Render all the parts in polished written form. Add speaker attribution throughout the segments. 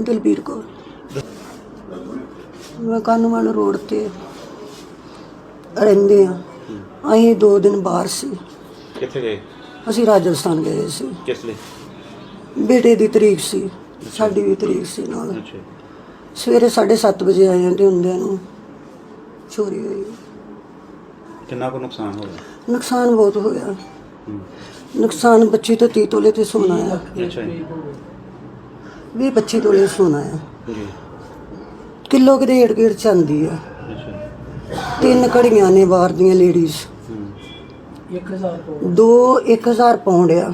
Speaker 1: ਦਲਬੀਰ ਕੌਰ। ਮੈਂ ਕਾਨੂੰਵਾਨ ਰੋਡ ਤੇ ਰਹਿੰਦੇ ਹਾਂ। ਅਸੀਂ 2 ਦਿਨ ਬਾਹਰ ਸੀ।
Speaker 2: ਕਿੱਥੇ ਗਏ?
Speaker 1: ਅਸੀਂ ਰਾਜਸਥਾਨ ਗਏ ਸੀ।
Speaker 2: ਕਿਸ ਲਈ?
Speaker 1: ਬੇਟੇ ਦੀ ਤਰੀਕ ਸੀ, ਸਾਡੀ ਵੀ ਤਰੀਕ ਸੀ ਨਾਲ।
Speaker 2: ਅੱਛਾ।
Speaker 1: ਸਵੇਰੇ 7:30 ਵਜੇ ਆਏ ਤੇ ਹੁੰਦਿਆਂ ਨੂੰ ਚੋਰੀ ਹੋਈ।
Speaker 2: ਕਿੰਨਾ ਕੁ ਨੁਕਸਾਨ ਹੋਇਆ?
Speaker 1: ਨੁਕਸਾਨ ਬਹੁਤ ਹੋਇਆ। ਨੁਕਸਾਨ 25 ਤੋਂ 30 ਤੋਲੇ ਤੇ ਸੋਨਾ ਆ।
Speaker 2: ਅੱਛਾ ਜੀ।
Speaker 1: 20-25 ਤੋਲੇ ਸੋਨਾ ਆ।
Speaker 2: ਜੀ।
Speaker 1: ਕਿਲੋ ਕਿਤੇ ਏੜ ਚਾਂਦੀ ਆ।
Speaker 2: ਅੱਛਾ।
Speaker 1: 3 ਘੜੀਆਂ ਨੇ ਬਾਹਰ ਦੀਆਂ ਲੇਡੀਜ਼। 1000 ਪਾਉਂਡ ਆ।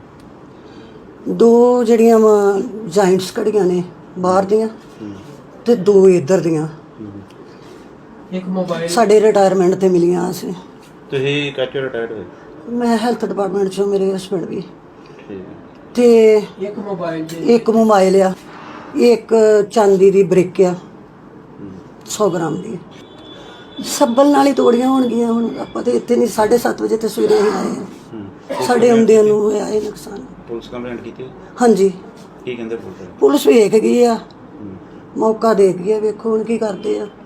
Speaker 1: 2 ਜਿਹੜੀਆਂ ਵਾ ਜਾਇੰਟਸ ਘੜੀਆਂ ਨੇ ਬਾਹਰ ਦੀਆਂ ਤੇ 2 ਇੱਧਰ ਦੀਆਂ।
Speaker 3: ਇੱਕ ਮੋਬਾਈਲ
Speaker 1: ਸਾਡੇ ਰਿਟਾਇਰਮੈਂਟ ਤੇ ਮਿਲੀਆਂ ਸੀ।
Speaker 2: ਤੁਸੀਂ ਕਾਚੋ ਰਿਟਾਇਰਡ ਹੋਏ?
Speaker 1: ਮੈਂ ਹੈਲਥ ਡਿਪਾਰਟਮੈਂਟ ਚੋਂ, ਮੇਰੇ ਹਸਬੈਂਡ ਵੀ।
Speaker 2: ਠੀਕ।
Speaker 1: ਤੇ
Speaker 3: ਇੱਕ
Speaker 1: ਮੋਬਾਈਲ ਆ, ਇੱਕ ਚਾਂਦੀ ਦੀ ਬ੍ਰਿਕ ਆ 100 ਗ੍ਰਾਮ ਦੀ। ਸੱਬਲ ਨਾਲ ਹੀ ਤੋੜੀਆਂ ਹੋਣਗੀਆਂ। ਹੁਣ ਆਪਾਂ ਤੇ ਇੱਥੇ ਨਹੀਂ, 7:30 ਵਜੇ ਤੇ ਸਵੇਰੇ ਹੀ ਆਏ ਆ। ਸਾਡੇ ਆਉਂਦਿਆਂ ਨੂੰ ਹੋਇਆ ਇਹ ਨੁਕਸਾਨ।
Speaker 2: ਪੁਲਿਸ ਕੰਪਲੇਂਟ ਕੀਤੀ?
Speaker 1: ਹਾਂਜੀ।
Speaker 2: ਕੀ ਕਹਿੰਦੇ
Speaker 1: ਪੁਲਿਸ ਵੇਖ ਗਈ ਆ, ਮੌਕਾ ਦੇਖ ਗਈ ਆ। ਵੇਖੋ ਹੁਣ ਕੀ ਕਰਦੇ ਆ।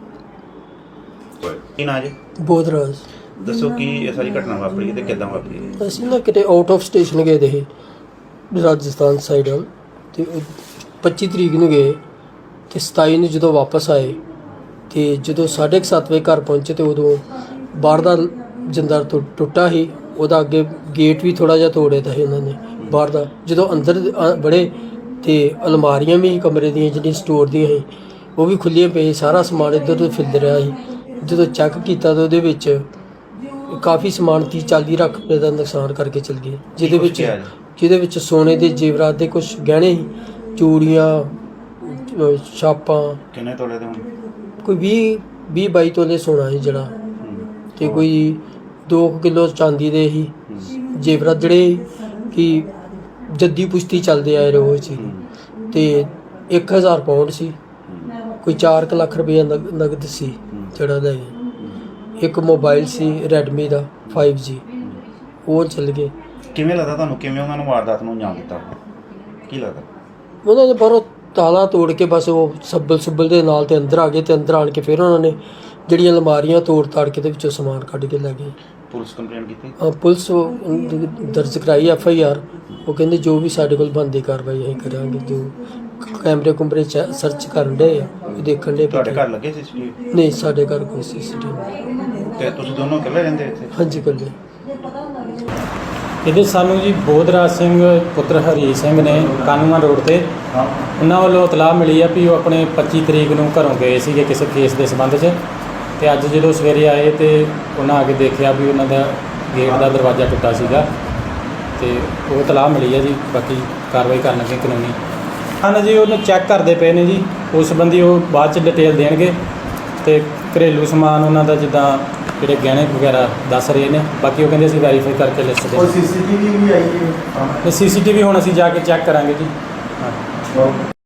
Speaker 2: ਕੀ ਨਾਂ ਜੀ?
Speaker 3: ਬੋਧਰਾਜ।
Speaker 2: ਦੱਸੋ ਕੀ ਇਹ ਸਾਰੀ ਘਟਨਾ ਵਾਪਰੀ ਤੇ ਕਿੱਦਾਂ ਵਾਪਰੀ?
Speaker 3: ਅਸੀਂ ਨਾ ਕਿਤੇ ਆਊਟ ਆਫ ਸਟੇਸ਼ਨ ਗਏ ਦੇ ਰਾਜਸਥਾਨ ਸਾਈਡ ਵੱਲ, ਤੇ 25 ਤਰੀਕ ਨੂੰ ਗਏ ਤੇ 27 ਨੂੰ ਜਦੋਂ ਵਾਪਸ ਆਏ ਤੇ ਜਦੋਂ 7:30 ਵਜੇ ਘਰ ਪਹੁੰਚੇ ਤੇ ਉਦੋਂ ਬਾਹਰ ਦਾ ਜਿੰਦਾ ਟੁੱਟਾ ਸੀ। ਉਹਦਾ ਅੱਗੇ ਗੇਟ ਵੀ ਥੋੜਾ ਜਿਹਾ ਤੋੜਿਆ ਤਾਂ ਸੀ ਉਹਨਾਂ ਨੇ ਬਾਹਰ ਦਾ। ਜਦੋਂ ਅੰਦਰ ਬੜੇ ਤੇ ਅਲਮਾਰੀਆਂ ਵੀ ਕਮਰੇ ਦੀਆਂ ਜਿਹੜੀਆਂ ਸਟੋਰ ਦੀਆਂ ਸੀ ਉਹ ਵੀ ਖੁੱਲੀਆਂ ਪਈਆਂ। ਸਾਰਾ ਸਮਾਨ ਇੱਧਰ ਉੱਧਰ ਫਿਰਦ ਰਿਹਾ ਸੀ। ਜਦੋਂ ਚੈੱਕ ਕੀਤਾ ਤਾਂ ਉਹਦੇ ਵਿੱਚ ਕਾਫੀ ਸਮਾਨ 30-40 ਲੱਖ ਰੁਪਏ ਦਾ ਨੁਕਸਾਨ ਕਰਕੇ ਚਲ ਗਏ, ਜਿਹਦੇ ਵਿੱਚ ਸੋਨੇ ਦੇ ਜੇਵਰਾਤ ਦੇ ਕੁਝ ਗਹਿਣੇ ਸੀ, ਚੂੜੀਆਂ, ਛਾਪਾਂ।
Speaker 2: ਕਿੰਨੇ ਤੋਲੇ ਦੇ?
Speaker 3: ਕੋਈ 20-22 ਤੋਲੇ ਸੋਨਾ ਸੀ ਜਿਹੜਾ, ਤੇ ਕੋਈ 2 ਕਿਲੋ ਚਾਂਦੀ ਦੇ ਸੀ ਜੇਵਰਾਤ, ਜਿਹੜੇ ਕਿ ਜੱਦੀ ਪੁਸ਼ਤੀ ਚੱਲਦੇ ਆਏ ਰੋਜ਼ 'ਚ। ਤੇ 1000 ਪਾਉਂਡ ਸੀ, ਕੋਈ 4 ਲੱਖ ਰੁਪਏ ਨਗਦ ਸੀ ਜਿਹੜਾ ਲੈ ਗਏ। ਇੱਕ ਮੋਬਾਈਲ ਸੀ ਰੈਡਮੀ ਦਾ 5G, ਉਹ ਚੱਲ ਗਏ।
Speaker 2: ਕਿਵੇਂ ਲੱਗਦਾ ਤੁਹਾਨੂੰ, ਕਿਵੇਂ ਉਹਨਾਂ ਨੂੰ ਵਾਰਦਾਤ ਨੂੰ ਅੰਜਾਮ ਦਿੱਤਾ? ਕੀ ਲੱਗਦਾ?
Speaker 3: ਉਹਨਾਂ ਨੇ ਬਾਹਰੋਂ ਤਾਲਾ ਤੋੜ ਕੇ ਬਸ ਉਹ ਸੱਬਲ ਦੇ ਨਾਲ ਤੇ ਅੰਦਰ ਆ ਗਏ, ਤੇ ਅੰਦਰ ਆਣ ਕੇ ਫਿਰ ਉਹਨਾਂ ਨੇ ਜਿਹੜੀਆਂ ਅਲਮਾਰੀਆਂ ਤੋੜ ਤਾੜ ਕੇ ਤੇ ਵਿੱਚੋਂ ਸਮਾਨ ਕੱਢ ਕੇ ਲੈ ਗਏ।
Speaker 2: ਪੁਲਿਸ ਕੰਪਲੇਂਟ ਕੀਤੀ?
Speaker 3: ਪੁਲਿਸ ਦਰਜ ਕਰਾਈ FIR। ਉਹ ਕਹਿੰਦੇ ਜੋ ਵੀ ਸਾਡੇ ਕੋਲ ਬਣਦੀ ਕਾਰਵਾਈ ਅਸੀਂ ਕਰਾਂਗੇ। ਜੋ ਕੈਮਰੇ ਸਰਚ ਕਰਨ ਦੇ ਆ, ਦੇਖਣ ਦੇ।
Speaker 2: ਤੁਹਾਡੇ ਘਰ ਲੱਗੇ CCTV?
Speaker 3: ਨਹੀਂ, ਸਾਡੇ ਘਰ ਕੋਈ CCTV।
Speaker 2: ਤੇ ਤੁਸੀਂ ਦੋਨੋਂ ਇਕੱਲੇ ਰਹਿੰਦੇ ਇੱਥੇ?
Speaker 3: ਹਾਂਜੀ, ਇਕੱਲੇ।
Speaker 4: ਇਹਦੇ ਸਾਨੂੰ ਜੀ ਬੋਧਰਾਜ ਸਿੰਘ ਪੁੱਤਰ ਹਰੀ ਸਿੰਘ ਨੇ ਕਾਨੂੰਨ ਰੋਡ ਤੇ, ਉਹਨਾਂ ਵੱਲੋਂ ਇਤਲਾਹ ਮਿਲੀ ਆ ਵੀ ਉਹ ਆਪਣੇ 25 ਤਰੀਕ ਨੂੰ ਘਰੋਂ ਗਏ ਸੀਗੇ ਕਿਸੇ ਕੇਸ ਦੇ ਸੰਬੰਧ 'ਚ। ਤੇ ਅੱਜ ਜਦੋਂ ਸਵੇਰੇ ਆਏ ਤੇ ਉਹਨਾਂ ਆ ਕੇ ਦੇਖਿਆ ਵੀ ਉਹਨਾਂ ਦਾ ਗੇਟ ਦਾ ਦਰਵਾਜ਼ਾ ਟੁੱਟਾ ਸੀਗਾ, ਤੇ ਉਹ ਇਤਲਾਹ ਮਿਲੀ ਆ ਜੀ। ਬਾਕੀ ਕਾਰਵਾਈ ਕਰਨ ਲੱਗੇ ਕਾਨੂੰਨੀ। ਹਾਂ ਜੀ, ਉਹਨੂੰ ਚੈੱਕ ਕਰਦੇ ਪਏ ਨੇ ਜੀ, ਉਸ ਸੰਬੰਧੀ ਉਹ ਬਾਅਦ 'ਚ ਡਿਟੇਲ ਦੇਣਗੇ। ਤੇ ਘਰੇਲੂ ਸਮਾਨ ਉਹਨਾਂ ਦਾ ਜਿੱਦਾਂ ਜਿਹੜੇ ਗਹਿਣੇ ਵਗੈਰਾ ਦੱਸ ਰਹੇ ਨੇ, ਬਾਕੀ ਉਹ ਕਹਿੰਦੇ ਅਸੀਂ ਵੈਰੀਫਾਈ ਕਰਕੇ ਲਿਸਟ ਦੇ।
Speaker 5: CCTV ਵੀ ਆਈ ਹੈ?
Speaker 4: CCTV ਹੁਣ ਅਸੀਂ ਜਾ ਕੇ ਚੈੱਕ ਕਰਾਂਗੇ ਜੀ। ਹਾਂ।